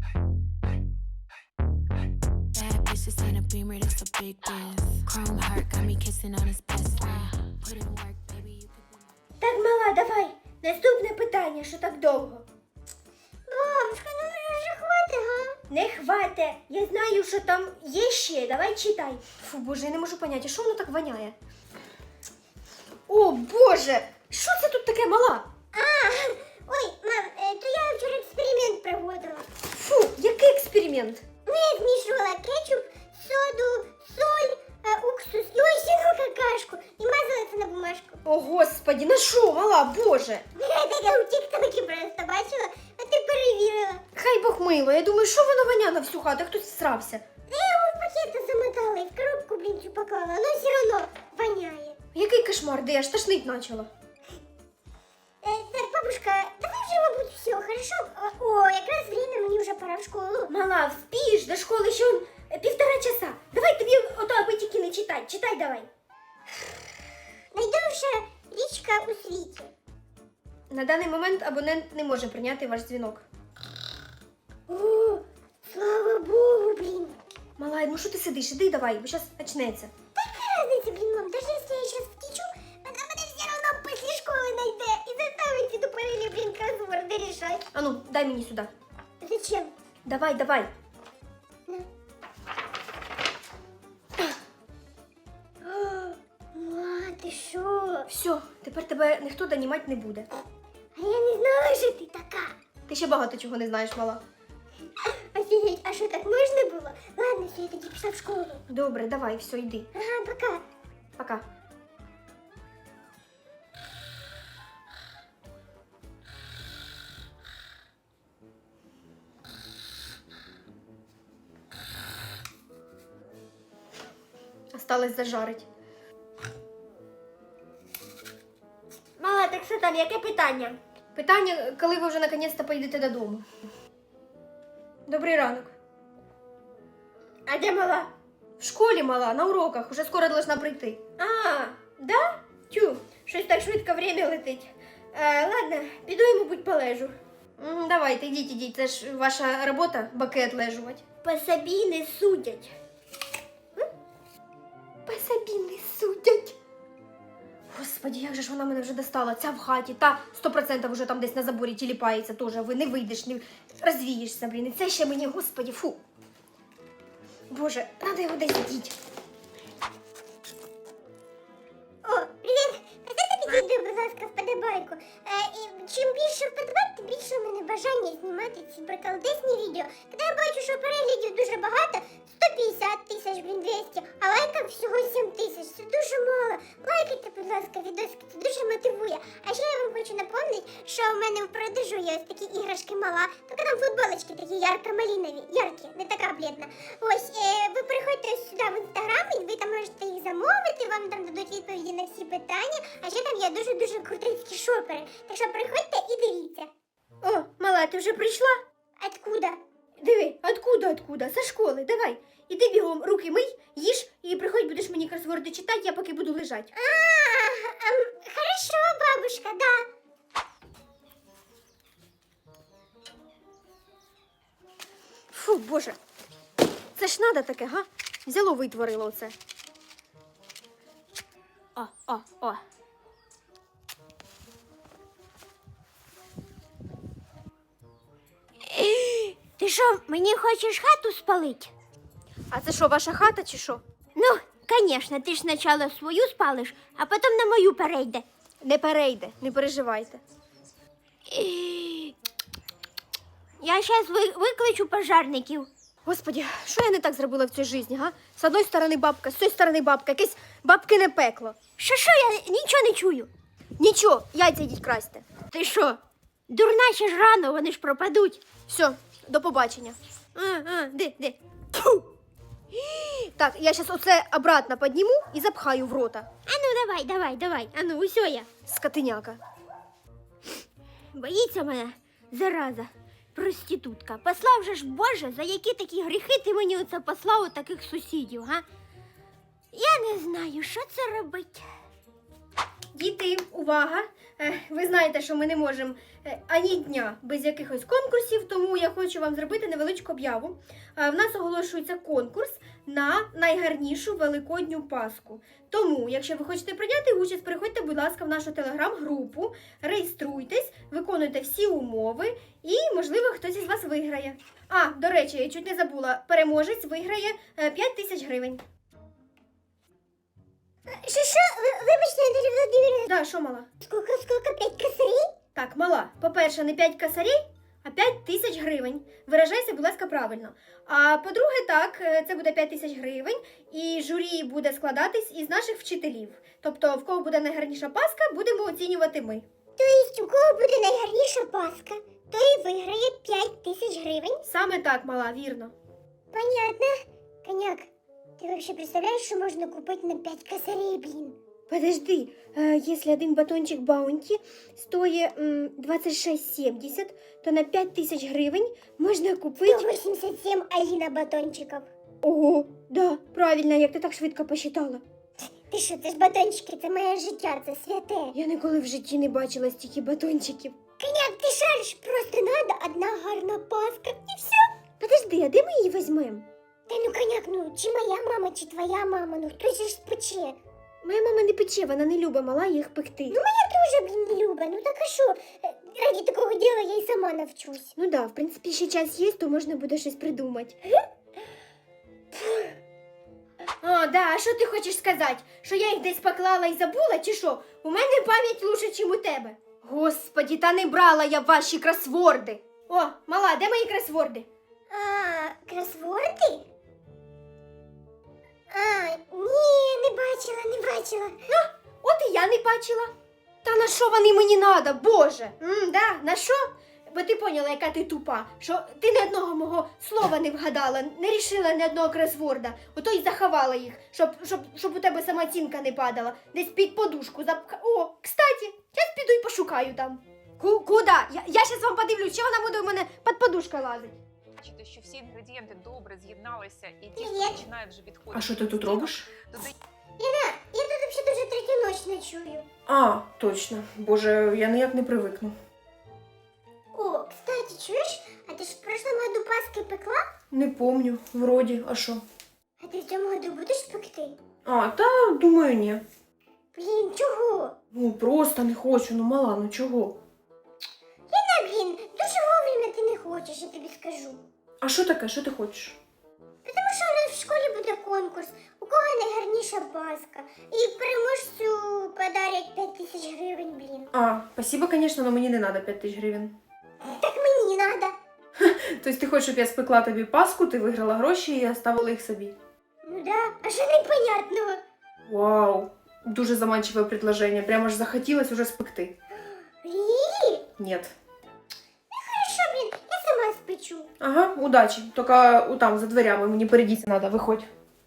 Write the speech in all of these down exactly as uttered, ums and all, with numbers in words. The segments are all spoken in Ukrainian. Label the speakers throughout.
Speaker 1: Bad bitches in a beamer, that's a big deal. Chrome heart got me kissing on his best friend. Put in work, baby, you could be...
Speaker 2: Так, мала, давай. Наступне питання, що так довго.
Speaker 3: Бабушка, ну вже хватить, га?
Speaker 2: Не хвате. Я знаю, що там є ще. Давай читай. Фу, боже, я не можу поняти, що воно так воняє? О, боже! Що це тут таке, мала?
Speaker 3: А, ой, мам, е, то я вчора експеримент проводила.
Speaker 2: Фу, який експеримент?
Speaker 3: Ну, я змішувала кетчуп, соду, соль, е, уксус і осіну какашку і мазала це на бумажку.
Speaker 2: О, господі, на що, мала, боже?
Speaker 3: Я таке у тік-токі просто бачила, а ти перевірила.
Speaker 2: Хай Бог мило, я думаю, що воно воня на всю хату, хтось всрався.
Speaker 3: Я його в пакети замотала і в коробку, блін, цю поклала, але все одно воняє.
Speaker 2: Який кошмар, де я ж тошнить почала.
Speaker 3: Е, так, бабушка, давай вже, мабуть, все, хорошо? О, якраз время, мені вже пора в школу.
Speaker 2: Мала, вспієш, до школи ще он, е, півтора часа. Давай тобі ото аби тільки не читай, читай давай.
Speaker 3: Найдовша річка у світі.
Speaker 2: На даний момент абонент не може прийняти ваш дзвінок.
Speaker 3: О, слава Богу, блін.
Speaker 2: Мала, ну що ти сидиш, іди давай, бо зараз почнеться.
Speaker 3: Яка разниця, блін, мам, даже якщо я зараз втічу, вона мене все одно після школи знайде і заставить ці тупорилі, блін, кросворди рішати.
Speaker 2: А ну, дай мені сюди.
Speaker 3: Зачем?
Speaker 2: Давай, давай.
Speaker 3: На. Ма, ти що?
Speaker 2: Все, тепер тебе ніхто донімати не буде.
Speaker 3: А я не знала, що ти така.
Speaker 2: Ти ще багато чого не знаєш, мала.
Speaker 3: Офігеть, а що так можна було? Ладно, все, я тоді пішла в школу.
Speaker 2: Добре, давай, все, йди.
Speaker 3: Ага, пока.
Speaker 2: Пока. Осталось зажарить.
Speaker 3: Мала, так що там, яке питання?
Speaker 2: Питання, коли ви вже наконець-то поїдете додому. Добрий ранок.
Speaker 3: А де мала?
Speaker 2: В школі, мала, на уроках, уже скоро должна прийти.
Speaker 3: А, да? Тю, щось так швидко время летить. Е, ладно, піду і, мабуть, полежу.
Speaker 2: М, Давайте, йдіть, ідіть, це ж ваша робота, баки відлежувати.
Speaker 3: По собі не судять.
Speaker 2: По собі не судять. Господи, як же ж вона мене вже достала, ця в хаті, та сто відсотків вже там десь на заборі тіліпається теж, ви не вийдеш, не розвієшся, блін, і це ще мені, господи, фу. Боже, треба його десь діть.
Speaker 3: О, привіт! Поставте підійди, будь ласка, вподобайку. Е, і чим більше вподобайк, тим більше у мене бажання знімати ці приколдесні відео. Коли я бачу, що переглядів дуже багато, сто п'ятдесят тисяч, блін, двісті, а лайків всього сім тисяч. Це дуже мало. Лайкайте, будь ласка, відосики, це дуже мотивує. А ще я вам хочу напомнити, що у мене в продажу є ось такі іграшки мала, тільки там футболочки такі ярко-малинові, яркі, не така блідна. Ось, е, ви приходьте сюди в інстаграм, і ви там можете їх замовити, вам там дадуть відповіді на всі питання, а ще там є дуже-дуже крутецькі шопери. Так що приходьте і дивіться.
Speaker 2: О, мала, ти вже прийшла?
Speaker 3: Откуда?
Speaker 2: Диви, откуда, откуда? Со школи, давай. Іди бігом, руки мий, їж, і приходь, будеш мені кросворди читати, я поки буду лежати.
Speaker 3: А, ам, хорошо, бабушка, да.
Speaker 2: Фу, боже. Це ж надо таке, га? Взяло, витворило оце. О, о, о.
Speaker 3: Ти що, мені хочеш хату спалити?
Speaker 2: А це що, ваша хата чи що?
Speaker 3: Ну, звісно, ти ж спочатку свою спалиш, а потім на мою перейде.
Speaker 2: Не перейде, не переживайте.
Speaker 3: Я зараз викличу пожарників.
Speaker 2: Господи, що я не так зробила в цій житті, га? З одної сторони бабка, з цієї сторони бабка, якесь бабкине пекло.
Speaker 3: Що, що, я нічого не чую.
Speaker 2: Нічого, яйця йдіть красти.
Speaker 3: Ти що? Дурна ще ж рано, вони ж пропадуть.
Speaker 2: Все, до побачення.
Speaker 3: А, а, де, де?
Speaker 2: Так, я зараз оце обратно підніму і запхаю в рота.
Speaker 3: А ну давай, давай, давай. А ну, усьо я.
Speaker 2: Скотиняка.
Speaker 3: Боїться мене, зараза, проститутка. Послав же ж Боже, за які такі гріхи ти мені оце послав у таких сусідів, га? Я не знаю, що це робить.
Speaker 2: Діти, увага! Е, Ви знаєте, що ми не можемо е, ані дня без якихось конкурсів, тому я хочу вам зробити невеличку об'яву. Е, В нас оголошується конкурс на найгарнішу великодню паску. Тому, якщо ви хочете прийняти участь, переходьте, будь ласка, в нашу телеграм-групу, реєструйтесь, виконуйте всі умови і, можливо, хтось із вас виграє. А, до речі, я чуть не забула, переможець виграє е, п'ять тисяч гривень.
Speaker 3: Що, що? Ви- Вибачте, Наталя Володимирівна,
Speaker 2: Да, що мала?
Speaker 3: скільки, скільки, п'ять косарей?
Speaker 2: Так, мала, по-перше, не п'ять косарей, а п'ять тисяч гривень. Виражайся, будь ласка, правильно. А по-друге, так, е, це буде п'ять тисяч гривень, і журі буде складатись із наших вчителів. Тобто, в кого буде найгарніша паска, будемо оцінювати ми.
Speaker 3: Тобто, у кого буде найгарніша паска, той виграє п'ять тисяч гривень?
Speaker 2: Саме так, мала, вірно.
Speaker 3: Понятно. Коняк, ти вообще представляєш, що можна купити на п'ять косарей, блін?
Speaker 2: Подожди, э, если один батончик Баунти стоит м, двадцять шість сімдесят, то на п'ять тисяч гривень можна
Speaker 3: сто
Speaker 2: купити...
Speaker 3: вісімдесят сім Аліна батончиків.
Speaker 2: Ого, да, правильно, як ти так швидко посчитала.
Speaker 3: Ти що, це ж батончики, це моє життя, це святе.
Speaker 2: Я ніколи в житті не бачила стільки батончиків.
Speaker 3: Коняк, ти шариш, просто надо одна гарна паска, і все.
Speaker 2: Подожди, а де ми її візьмемо?
Speaker 3: Та ну, коняк, ну, чи моя мама, чи твоя мама, ну хтось же ж спече.
Speaker 2: Моя мама не пече, вона не любить мала їх пекти.
Speaker 3: Ну, моя теж, блін, не любить, ну так а що? Е, Раді такого діла я й сама навчусь.
Speaker 2: Ну да, в принципі, ще час є, то можна буде щось придумати. О, да, а що ти хочеш сказати? Що я їх десь поклала і забула, чи що? У мене пам'ять лучше, ніж у тебе. Господі, та не брала я ваші кросворди. О, мала, де мої кросворди?
Speaker 3: А, кросворди? А, ні, не бачила, не бачила.
Speaker 2: От і я не бачила. Та на що вони мені надо, боже? М, да, на що? Бо ти поняла, яка ти тупа, що ти ні одного мого слова не вгадала, не рішила ні одного кросворда, ото й заховала їх, щоб, щоб, щоб у тебе самооцінка не падала, десь під подушку запха. О, кстати, зараз піду і пошукаю там. Ку- куда? Я, я щас вам подивлюсь, чи вона буде у мене під подушкою лазить.
Speaker 4: Бачите, що всі інгредієнти добре з'єдналися і тісто
Speaker 3: Привіт.
Speaker 4: починає вже відходити.
Speaker 5: А що ти тут робиш?
Speaker 4: Додаємо
Speaker 3: Ліна, я тут взагалі дуже третю ніч ночую.
Speaker 5: А, точно. Боже, я ніяк не привикну.
Speaker 3: О, кстати, чуєш? А ти ж в прошлому году паски пекла?
Speaker 5: Не помню, вроді, а що?
Speaker 3: А ти в цьому году будеш пекти?
Speaker 5: А, та думаю, ні.
Speaker 3: Блін, чого?
Speaker 5: Ну просто не хочу, ну мала, ну чого?
Speaker 3: Ліна, блін, дуже вовремя ти не хочеш, я тобі скажу.
Speaker 5: А що таке, що ти хочеш?
Speaker 3: Тому що у нас в школі буде конкурс, у кого найгарніша паска. І переможцю подарять п'ять тисяч гривень, блін.
Speaker 5: А, спасибо, звісно, але мені не треба п'ять тисяч гривень.
Speaker 3: Так мені надо.
Speaker 5: Тобто ти хочеш, щоб я спекла тобі паску, ти виграла гроші і оставила їх собі.
Speaker 3: Ну да, а що непонятного?
Speaker 5: Вау, дуже заманчиве предложення, прямо ж захотілось уже спекти.
Speaker 3: Рі?
Speaker 5: Ні.
Speaker 3: Хорошо, блін, я сама спечу.
Speaker 5: Ага, удачі. Тільки там, за дверями, мені перейдіть треба, виходь.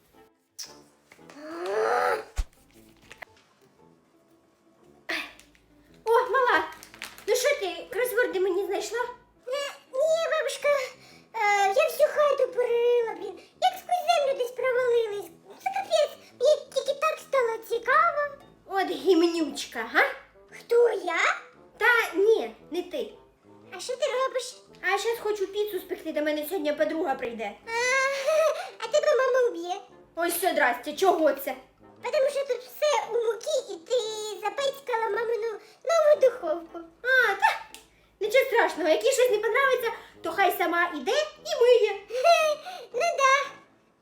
Speaker 2: О, мала, ну що ти, кросворди мені знайшла?
Speaker 3: Е, Ні, бабушка, е, я всю хату перерила, блін. Як сквозь землю десь провалились. Це капець, мені тільки так стало цікаво.
Speaker 2: От гімнючка, га?
Speaker 3: Хто я?
Speaker 2: Та ні, не ти.
Speaker 3: А що ти робиш?
Speaker 2: А я зараз хочу піцу спекти, до мене сьогодні подруга прийде.
Speaker 3: А, а тебе мама уб'є.
Speaker 2: Ось все, здрасте, чого це?
Speaker 3: Тому що тут все у муки, і ти запецькала мамину нову духовку.
Speaker 2: А, та, нічого страшного, якщо щось не подобається, то хай сама іде і миє.
Speaker 3: Ну да.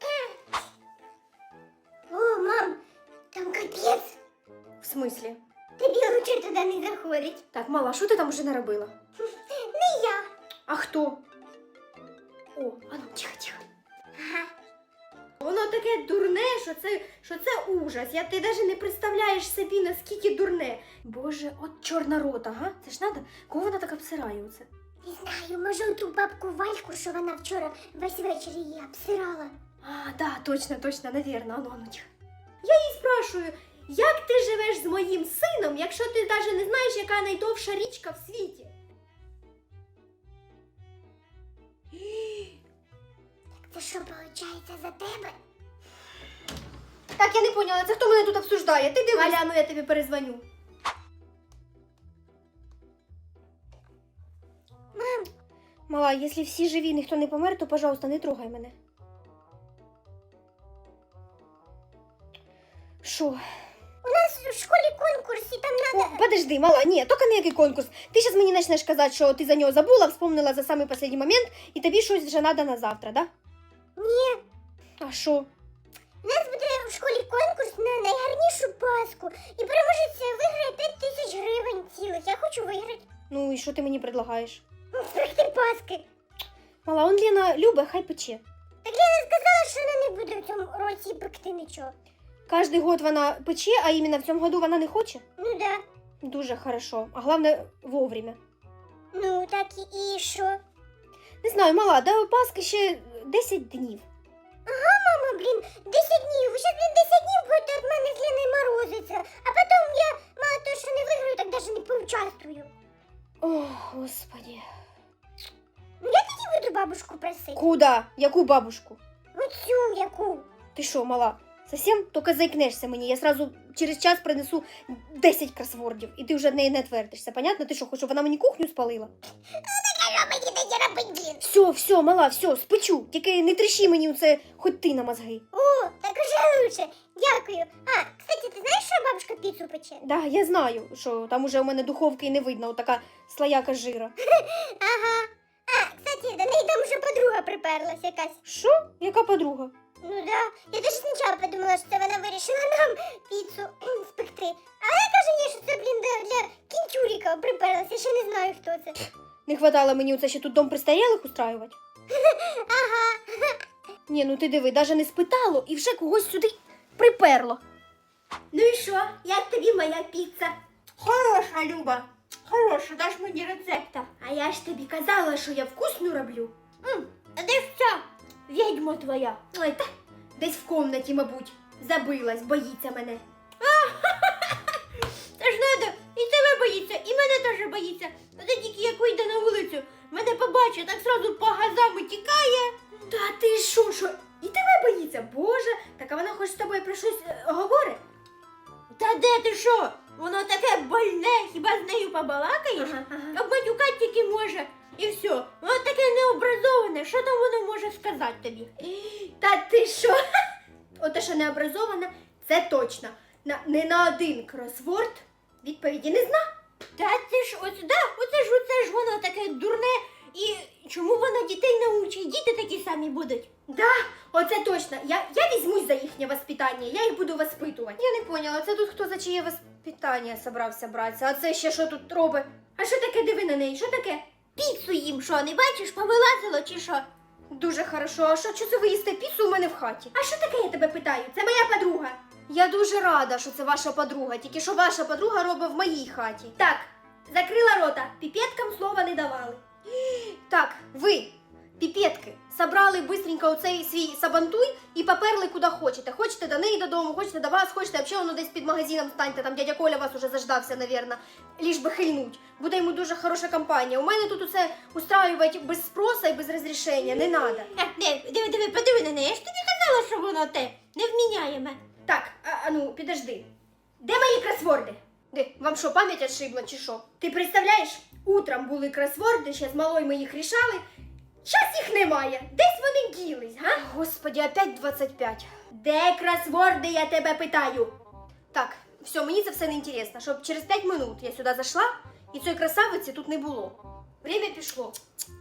Speaker 3: О, мам, там капець.
Speaker 2: В смислі?
Speaker 3: Тобі лучше туди не заходить.
Speaker 2: Так, мала, що ти там уже наробила?
Speaker 3: Не я.
Speaker 2: А хто? О, ану, тихо, тихо.
Speaker 3: Ага.
Speaker 2: Воно таке дурне, що це, що це ужас. Я ти навіть не представляєш собі, наскільки дурне. Боже, от чорна рота, га? Це ж надо? Кого вона так обсирає оце?
Speaker 3: Не знаю, може ту бабку Вальку, що вона вчора весь вечір її обсирала.
Speaker 2: А, да, точно, точно, навірно, ану, ану, тихо. Я їй спрашую, як ти живеш з моїм сином, якщо ти навіть не знаєш, яка найдовша річка в світі?
Speaker 3: Це що, виходить, за тебе?
Speaker 2: Так, я не поняла, це хто мене тут обсуждає? Ти дивись. Аля, ну я тобі перезвоню. Мала, якщо всі живі, ніхто не помер, то, пожалуйста, не трогай мене. Що?
Speaker 3: У нас в школі конкурс, і там
Speaker 2: О,
Speaker 3: надо...
Speaker 2: подожди, мала, ні, тільки ніякий конкурс. Ти зараз мені почнеш казати, що ти за нього забула, вспомнила за самий останній момент, і тобі щось вже треба на завтра, да?
Speaker 3: Ні.
Speaker 2: А що?
Speaker 3: У нас буде в школі конкурс на найгарнішу паску. І переможець виграє п'ять тисяч гривень цілих. Я хочу виграти.
Speaker 2: Ну і що ти мені предлагаєш?
Speaker 3: Спекти паски.
Speaker 2: Мала, он Лена любить, хай пече.
Speaker 3: Так Лена сказала, що вона не буде в цьому році пекти нічого.
Speaker 2: Кожний год вона пече, а іменно в цьому году вона не хоче?
Speaker 3: Ну да.
Speaker 2: Дуже хорошо. А головне, вовремя.
Speaker 3: Ну так і, і що?
Speaker 2: Не знаю, мала, до Пасхи ще десять днів.
Speaker 3: Мама, блін, десять днів. Ви щас, блін, десять днів будете від мене з Леною морозиться. А потім я, мало того, що не виграю, так навіть не поучаствую.
Speaker 2: О, господи.
Speaker 3: Ну я тоді буду бабушку просити.
Speaker 2: Куда? Яку бабушку?
Speaker 3: Оцю яку.
Speaker 2: Ти що, мала? Совсем? Тільки заікнешся мені. Я сразу через час принесу десять кросвордів, і ти вже від неї не отвертишся. Понятно? Ти що, хочеш, щоб вона мені кухню спалила?
Speaker 3: А що мені тоді робити, блін?
Speaker 2: Все, все, мала, все, спечу. Тільки не трещи мені оце, хоч ти на мозги.
Speaker 3: О, так уже лучше. Дякую. А, кстати, ти знаєш, що бабушка піцу пече?
Speaker 2: Да, я знаю, що там уже у мене духовки і не видно, отака слояка жира.
Speaker 3: Ага. А, кстати, до неї там вже подруга приперлась якась.
Speaker 2: Що? Яка подруга?
Speaker 3: Ну да. Я теж спочатку подумала, що це вона вирішила нам піцу кхм, спекти. А вона каже, ні, що це, блін, для, для кінчуріка приперлась. Я ще не знаю, хто це.
Speaker 2: Не хватало мені оце ще тут дом престарілих устраювати?
Speaker 3: Ага.
Speaker 2: Ні, ну ти диви, навіть не спитало і вже когось сюди приперло.
Speaker 3: Ну і що? Як тобі моя піца?
Speaker 2: Хороша, Люба, хороша, даш мені рецепта. А я ж тобі казала, що я вкусну роблю.
Speaker 3: М, а де ж ця відьма твоя?
Speaker 2: Ой, та десь в комнаті, мабуть, забилась, боїться мене.
Speaker 3: Це ж надо, і тебе боїться, і мене теж боїться. А це тільки як вийде на вулицю, мене побачить, так сразу по газам і тікає.
Speaker 2: Та ти що, що? І тебе боїться? Боже, так а вона хоч з тобою про щось е, говорить?
Speaker 3: Та де ти що? Воно таке больне, хіба з нею побалакаєш?
Speaker 2: Ага, ага.
Speaker 3: Обматюкати тільки може. І все. Воно таке необразоване. Що там воно може сказати тобі?
Speaker 2: Та ти що? Ото, що не образована, це точно. На, не на один кросворд відповіді не зна.
Speaker 3: Та це ж ось, да, оце ж, оце ж воно таке дурне. І чому воно дітей научить? Діти такі самі будуть.
Speaker 2: Да, оце точно. Я, я візьмусь за їхнє воспитання, я їх буду воспитувати. Я не поняла, це тут хто за чиє воспитання собрався братися, а це ще що тут робить? А що таке, диви на неї, що таке?
Speaker 3: Піцу їм що, не бачиш, повилазило чи що?
Speaker 2: Дуже хорошо, а що, що це ви їсте піцу у мене в хаті? А що таке, я тебе питаю? Це моя подруга. Я дуже рада, що це ваша подруга, тільки що ваша подруга робить в моїй хаті. Так, закрила рота, піпеткам слова не давали. Так, ви, піпетки, собрали быстренько оцей свій сабантуй і поперли куди хочете. Хочете до неї додому, хочете до вас, хочете взагалі воно десь під магазином станьте, там дядя Коля вас уже заждався, навірно, ліж би хильнуть. Буде йому дуже хороша компанія. У мене тут усе устраювати без спроса і без розрішення не треба.
Speaker 3: Диви, диви, диви, подиви на неї. Я ж тобі казала, що воно те невміняєме.
Speaker 2: Так, а, а ну, підожди. Де мої кросворди? Де, вам що, пам'ять отшибла чи що? Ти представляєш, утром були кросворди, ще з малою ми їх рішали. Щас їх немає. Десь вони ділись, га? Господи, опять двадцять п'ять. Де кросворди, я тебе питаю? Так, все, мені це все не інтересно, щоб через п'ять минут я сюди зайшла, і цієї красавиці тут не було. Время пішло.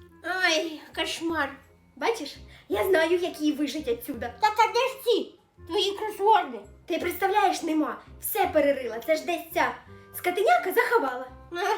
Speaker 3: Ай, кошмар.
Speaker 2: Бачиш, я знаю, як її вижить отсюда.
Speaker 3: Так а де ж ці твої кросворди?
Speaker 2: Ти представляєш, нема. Все перерила. Це ж десь ця скотиняка заховала.
Speaker 3: А?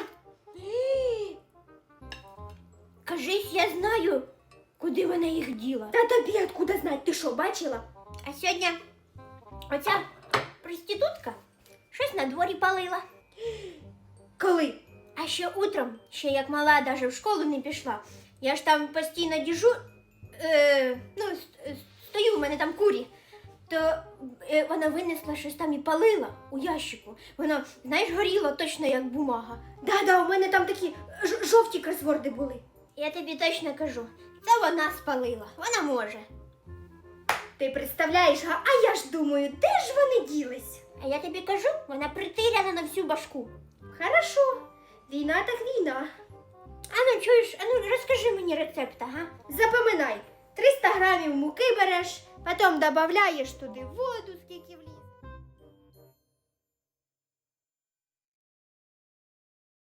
Speaker 3: Кажись, я знаю, куди вона їх діла.
Speaker 2: Та тобі откуда знать? Ти що, бачила?
Speaker 3: А сьогодні оця проститутка щось на дворі палила.
Speaker 2: Коли?
Speaker 3: А ще утром, ще як мала, даже в школу не пішла. Я ж там постійно діжу, е, ну, с- стою, у мене там курі. То е, вона винесла щось там і палила у ящику. Воно, знаєш, горіло точно як бумага.
Speaker 2: Да-да, у мене там такі ж- жовті кросворди були.
Speaker 3: Я тобі точно кажу, це вона спалила, вона може.
Speaker 2: Ти представляєш, а, а я ж думаю, де ж вони ділись?
Speaker 3: А я тобі кажу, вона притиряна на всю башку.
Speaker 2: Хорошо, війна так війна.
Speaker 3: Ану, чуєш, ану, розкажи мені рецепт, ага.
Speaker 2: Запоминай, триста грамів муки береш, потім додаєш туди воду, скільки вліз.